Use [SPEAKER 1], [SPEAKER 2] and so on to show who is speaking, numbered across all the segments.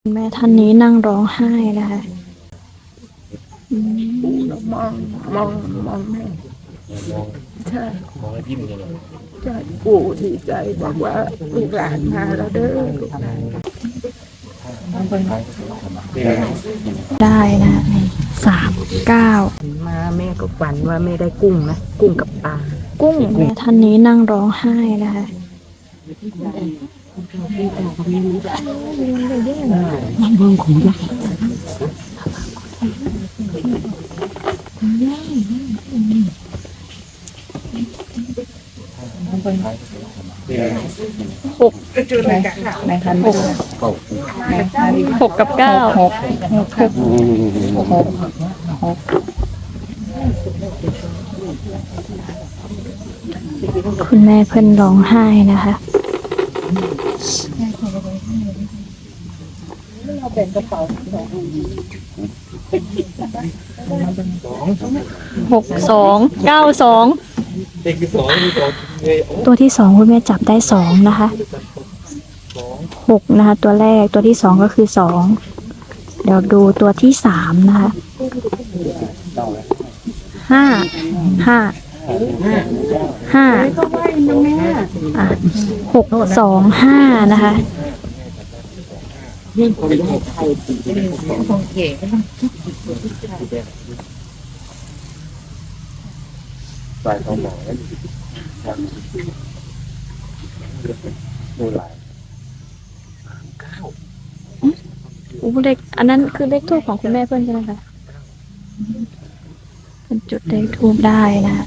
[SPEAKER 1] แม่ท่านนี้นั่งร้องไห้นะคะ
[SPEAKER 2] ปู่เรามองแม่ใช่
[SPEAKER 3] มองให้พี่มันเลย
[SPEAKER 2] ใช่ปู่ดีใจบอกว่าลูกหลานมาแล้วเด้อลูกหลาน
[SPEAKER 1] ได้นะ39
[SPEAKER 2] มาแม่ก็ฝันว่าแม่ได้กุ้งนะกุ้งกับปลา
[SPEAKER 1] กุ้งแม่ท่านนี้นั่งร้องไห้นะคะ6 กับ 9คุณแม่เพิ่นร้องไห้นะคะ6292
[SPEAKER 3] เด็กที่สอง
[SPEAKER 1] ตัวที่2คุณแม่จับได้2นะคะ6นะคะตัวแรกตัวที่2ก็คือ2เดี๋ยวดูตัวที่3นะคะ5625นะคะ
[SPEAKER 3] สายของหมอดูหลาย
[SPEAKER 1] เลขอันนั้นคือเลขทูปของคุณแม่เพื่อนใช่ไหมคะเป็นจุดเลขทูปได้นะคะ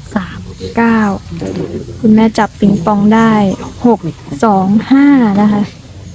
[SPEAKER 1] 39คุณแม่จับปิงปองได้625นะคะ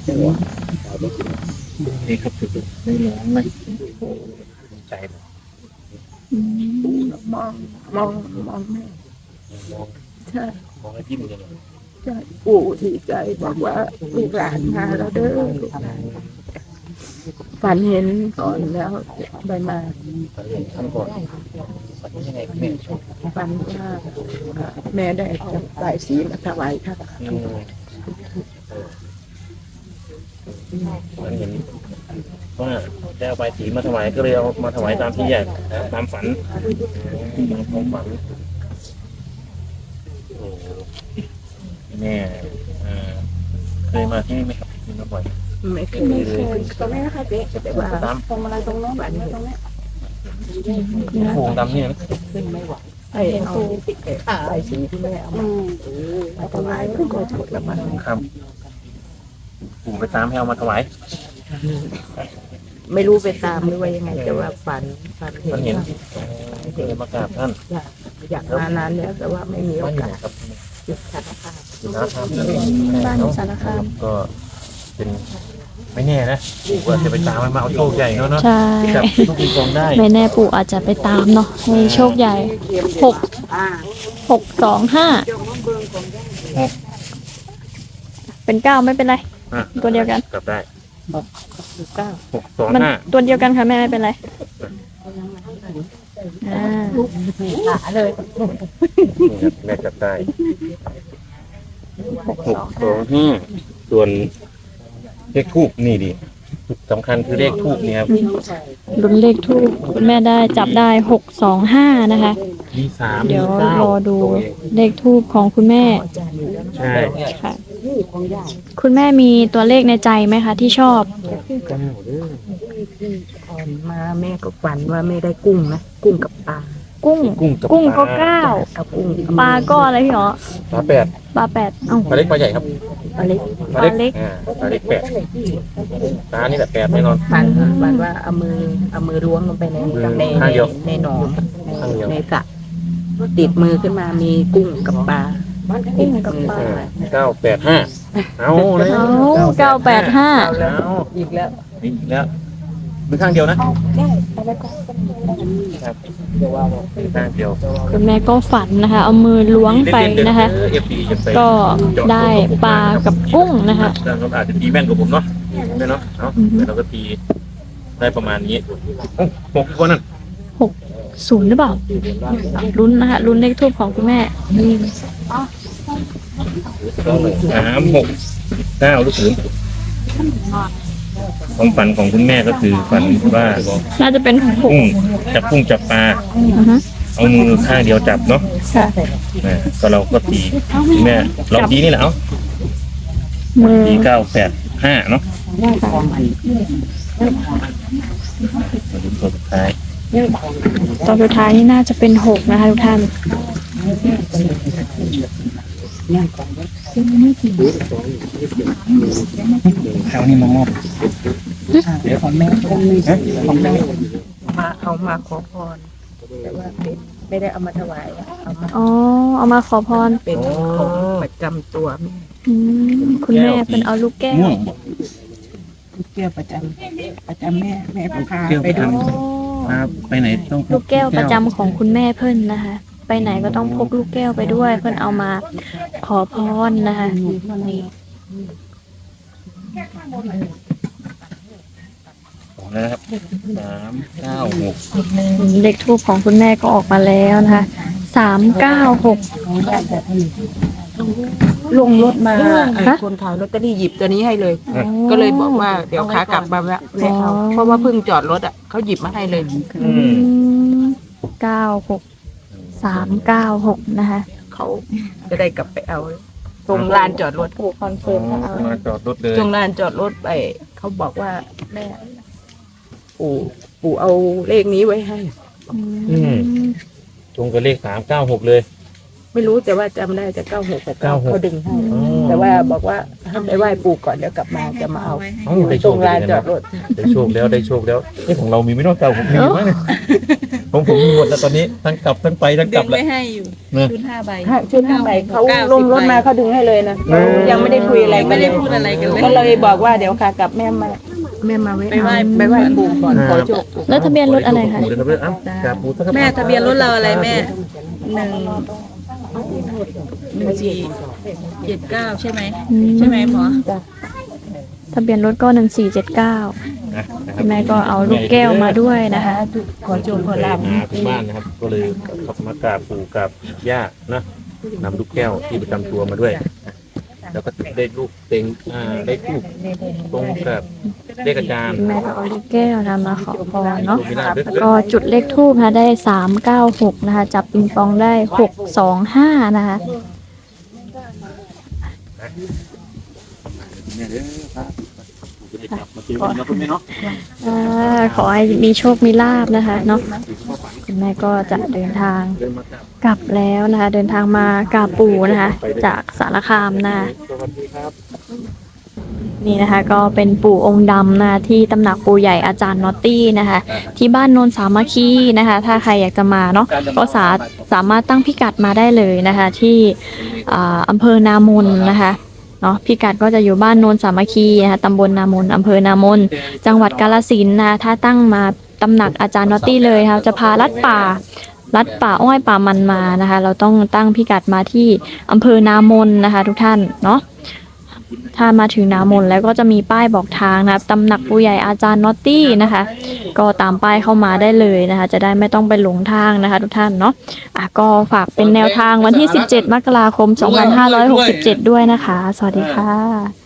[SPEAKER 3] นี่ครับสุดไม่ร้องเลยใจเลย
[SPEAKER 2] ปู่เรามองแม่ใช่
[SPEAKER 3] มองให้พี่มันเลย
[SPEAKER 2] ใช่ปู่ดีใจบอกว่าลูกหลานมาแล้วเด้อลูกหลานฝันเห็นก่อนแล้วใบมา
[SPEAKER 3] ทำก่อนฝันยังไงแม่ชอบ
[SPEAKER 2] ฝันว่าแม่ได้จับใบสีมาถวายค่ะ
[SPEAKER 3] มันเห็นว่าได้เอาใบสีมาถวายก็เลยเอามาถวายตามที่อยากตามฝันตามความฝันโอ้แม่เคยมาที่นี่ไหมครับที่มาบ่อย
[SPEAKER 2] ไม่เคยตรงนี้นะคะเจ๊แต่ว่าตรงอะไรตรงโน้นแบบนี้ตรงนี้
[SPEAKER 3] โค้งดำเนี่ยนะ
[SPEAKER 2] ไอ้เอาใบสีที่แม่เอามาถวายก็ถูกแล้วมัน
[SPEAKER 3] ครับผมไปตามให้เอามาถวาย
[SPEAKER 2] ไม่รู้ไปตามหรือว่ายังไงแต่ว่าฝันเห็
[SPEAKER 3] มัน นเห็น
[SPEAKER 2] เ
[SPEAKER 3] ก็เลยมากราบท่าน
[SPEAKER 2] อยากมานานแล้วแต่ว่าไม่มีโอ
[SPEAKER 3] บ้านอยู่
[SPEAKER 2] กา
[SPEAKER 3] ไหน
[SPEAKER 2] ส
[SPEAKER 3] ครับ
[SPEAKER 2] จุดสารภาพ
[SPEAKER 3] อยู่สารคาม
[SPEAKER 1] บ้านอยู่สารคาม
[SPEAKER 3] ก็เป็นไม่แน่นะผมว่าจะไปตามมันมาเอาโชคใหญ่เนาะ
[SPEAKER 1] ใช่
[SPEAKER 3] จับลูกปิงปองได้
[SPEAKER 1] ไม่แน่ปู่อาจจะไปตามเนาะให้โชคใหญ่625เป็น9ไม่เป็นไร ตัวเดียวกัน
[SPEAKER 3] กลับได้
[SPEAKER 2] 9
[SPEAKER 1] มัน
[SPEAKER 3] 625
[SPEAKER 1] ตัวเดียวกันค่ะแม่ไม่เป็นไร
[SPEAKER 2] ขาเลย
[SPEAKER 3] แม่จับได้625ส่วนเลขทูบนี่ดิสำคัญคือเลขทูบนี่ครับ
[SPEAKER 1] ลุ้นเลขทูปคุณแม่ได้จับได้625นะคะ
[SPEAKER 3] มี3
[SPEAKER 1] เดี๋ยว
[SPEAKER 3] มี9
[SPEAKER 1] รอดูเลขทูปของคุณแม่
[SPEAKER 3] ใช่
[SPEAKER 1] ค่ะ คุณแม่มีตัวเลขในใจไหมคะที่ชอบ
[SPEAKER 2] ก่อนมาแม่ก็ฝันว่าแม่ได้กุ้งนะกุ้งกับปลา
[SPEAKER 1] กุ้ง
[SPEAKER 3] กุ้งกับ
[SPEAKER 1] ก็
[SPEAKER 3] ปลา
[SPEAKER 2] กับกุ้ง
[SPEAKER 1] 9ปลาก็อะไรพี่หรอ
[SPEAKER 3] ปลา8
[SPEAKER 1] ปลา8เอ้า
[SPEAKER 3] ปลาเล็กปลาใหญ่ครับ
[SPEAKER 2] ปลาเล็ก
[SPEAKER 3] ปลาเล็กปลาเล็ก8ปลานี่แหละ8แน่นอน
[SPEAKER 2] ฝันว่าเอามือล้วงลงไปใน
[SPEAKER 3] ข้างเดียว
[SPEAKER 2] ในหนอง
[SPEAKER 3] ข้างเดียว
[SPEAKER 2] ในสระติดมือขึ้นมามีกุ้งกับปลา
[SPEAKER 1] กุ้งกับปลา
[SPEAKER 3] 985เอาเลย
[SPEAKER 1] เอา985
[SPEAKER 3] เอา
[SPEAKER 2] อีกแล้ว
[SPEAKER 3] อีกแล้วมือข้างเดียวนะ ครับมือข้างเดียว
[SPEAKER 1] คุณแม่ก็ฝันนะคะ เอามือล้วงไปนะคะ ก็ได้ปลากับกุ้งนะคะ
[SPEAKER 3] เราอาจจะตีแม่นกว่าผมเนาะไม่เนาะเนาะแต่เราก็ตีได้ประมาณนี้6คนนั่น
[SPEAKER 1] 60หรือเปล่าลุ้นนะคะลุ้นเลขทูปของคุณแม่
[SPEAKER 3] 3 6 9หรือ0 ความฝันของคุณแม่ก็คือฝันว่า
[SPEAKER 1] น่าจะเป็น6
[SPEAKER 3] กุ้งจับปลา
[SPEAKER 1] อือฮะ
[SPEAKER 3] เอามือข้างเดียวจับเนาะ
[SPEAKER 1] ค่ะ
[SPEAKER 3] ก็เราก็ตีคุณแม่เราตีนี่แหละเอ้า
[SPEAKER 1] มือ
[SPEAKER 3] ตี985เนาะมาดูตัวสุดท้าย
[SPEAKER 1] ตอนสุดท้ายนี่น่าจะเป็น6นะคะทุกท่าน
[SPEAKER 3] ข้าวนี่มามอบเดี๋ยวของแม่ของแม่
[SPEAKER 2] มาเอามาขอพรแต่ว่าเป็นไม่ได้เอามาถวายเอามา
[SPEAKER 1] อ๋อ เอามาขอพร
[SPEAKER 2] เป็นของประจำตัวแม่
[SPEAKER 1] อืมคุณแม่เป็นเอาลูกแก้ว
[SPEAKER 3] ม่วง
[SPEAKER 2] ลูกแก้วประจำแม่พา
[SPEAKER 3] แก้ว
[SPEAKER 2] ไป
[SPEAKER 3] ประ
[SPEAKER 2] ดู
[SPEAKER 3] จำมาไปไหนต้องพ
[SPEAKER 1] ลูกแก้วประจำของคุณแม่เพิ่นนะคะ ไปไหนก็ต้องพกลูกแก้วไปด้วย เพิ่นเอามาขอพรนะคะนี่
[SPEAKER 3] แล้วนะครับ396
[SPEAKER 1] เลขทูปของคุณแม่ก็ออกมาแล้วนะคะ396
[SPEAKER 2] ลงรถมา
[SPEAKER 1] ฮะ
[SPEAKER 2] คนขายลอตเตอรี่หยิบตัวนี้ให้เลย
[SPEAKER 1] อ๋อ
[SPEAKER 2] ก็เลยบอกว่าเดี๋ยวขากลับมาแวะเอาเพราะว่าเพิ่งจอดรถอ่ะเขาหยิบมาให้เลย
[SPEAKER 1] 396นะคะ
[SPEAKER 2] เขาจะได้กลับไปเอาตรงลานจอดรถ
[SPEAKER 1] ปู่คอนเฟิร์มให้เอา
[SPEAKER 3] มาจอดรถเลย
[SPEAKER 2] ตรงลานจอดรถไปเขาบอกว่าแม่ปู่เอาเลขนี้ไว้ให้
[SPEAKER 3] ตรงกับเลข396เลย
[SPEAKER 2] ไม่รู้แต่ว่าจำได้จะ96
[SPEAKER 3] 96
[SPEAKER 2] เขาดึงให้
[SPEAKER 3] อ๋อ
[SPEAKER 2] แต่ว่าบอกว่าให้ไปไหว้ปู่ก่อนเดี๋ยวกลับมาจะมาเอา
[SPEAKER 3] เอ้าได้โช
[SPEAKER 2] ตร
[SPEAKER 3] ค
[SPEAKER 2] ง
[SPEAKER 3] ดี
[SPEAKER 2] ลาน
[SPEAKER 3] นะ
[SPEAKER 2] จอดรถ
[SPEAKER 3] ได้โชคแล้วได้โชคแล้วนี่ของเรามีไม่นอกเก่าผมมีอยู่มั้งเนี่ยผมมีหมดแล้วตอนนี้ทั้งกลับทั้งไปทั้งก
[SPEAKER 4] ดึ
[SPEAKER 3] ลับ
[SPEAKER 4] ง
[SPEAKER 3] แล้ว
[SPEAKER 4] ไว้ให้อยู่
[SPEAKER 3] นะ
[SPEAKER 4] ชุด5 ใบ
[SPEAKER 2] ชุด5 ใบเขา
[SPEAKER 4] 90
[SPEAKER 2] ลงรถมาเขาดึงให้เลยนะยังไม่ได้คุยอะไรกั
[SPEAKER 4] ไม่
[SPEAKER 2] น
[SPEAKER 4] ได้พูดอะไรกันเลย
[SPEAKER 2] ก็เลยบอกว่าเดี๋ยวขากลับแม่มา
[SPEAKER 4] ไปไหว้
[SPEAKER 2] ไปไหว้ปู่ก่อนขอโชค
[SPEAKER 1] แล้วทะเบียนรถอะไรคะ
[SPEAKER 3] ขโชปู่เลยครับเอ้ากราบปู่สักครับ
[SPEAKER 4] แม่ทะเบียนรถเราอะไรแม่1479ใช่ไหมใช่ไหมหมอ
[SPEAKER 1] ทะเบียนรถก็1479
[SPEAKER 3] นะค
[SPEAKER 1] คุ
[SPEAKER 3] รับ
[SPEAKER 1] ณแม่ก็เอาลูกแก้วมาด้วยนะคะ
[SPEAKER 2] ขอโชคขอลาบ
[SPEAKER 3] มาถึงบ้านนะครับ ก็เลยขับมากราบปู่กับย่านะนำลูกแก้วที่ประจำตัวมาด้วยแล้วก็ได้ลูกเต็งได้ลูกตรงกับเลขอาจารย์
[SPEAKER 1] คุณแม่ก็เอาลูกแก้วนะมาขอพรเนาะแล้วก็จุดเลขทูบนะได้396นะคะจับปิงปองได้625นะคะ ขอให้มีโชคมีลาบนะคะเนาะคุณแม่ก็จะเดินทางกลับแล้วนะคะ เดินทางมากราบปู่นะคะ จากสารคามนะคะนี่นะคะ ก็เป็นปู่องค์ดำนะคะที่ตำหนักปู่ใหญ่อาจารย์นอตตี้นะคะ ที่บ้านโนนสามัคคีนะคะ ถ้าใครอยากจะมาเนาะก็สามารถตั้งพิกัดมาได้เลยนะคะ ที่อำเภอนามนนะคะเนาะพิกัดก็จะอยู่บ้านโนนสามัคคีนะคะตำบลนามนอำเภอนามนจังหวัดกาฬสินธุ์นะคะถ้าตั้งมาตำหนักอาจารย์นอตตี้เลยค่ะจะพาลัดป่าอ้อยป่ามันมานะคะ เราต้องตั้งพิกัดมาที่อำเภอนามนนะคะ ทุกท่านเนาะถ้ามาถึงนามนแล้วก็จะมีป้ายบอกทางนะคะตำหนักปู่ใหญ่อาจารย์นอตตี้นะคะ ก็ตามป้ายเข้ามาได้เลยนะคะ จะได้ไม่ต้องไปหลงทางนะคะ ทุกท่านเนาะก็ฝากเป็นแนวทางวันที่17 มกราคม 2567 ด้วยนะคะ สวัสดีค่ะ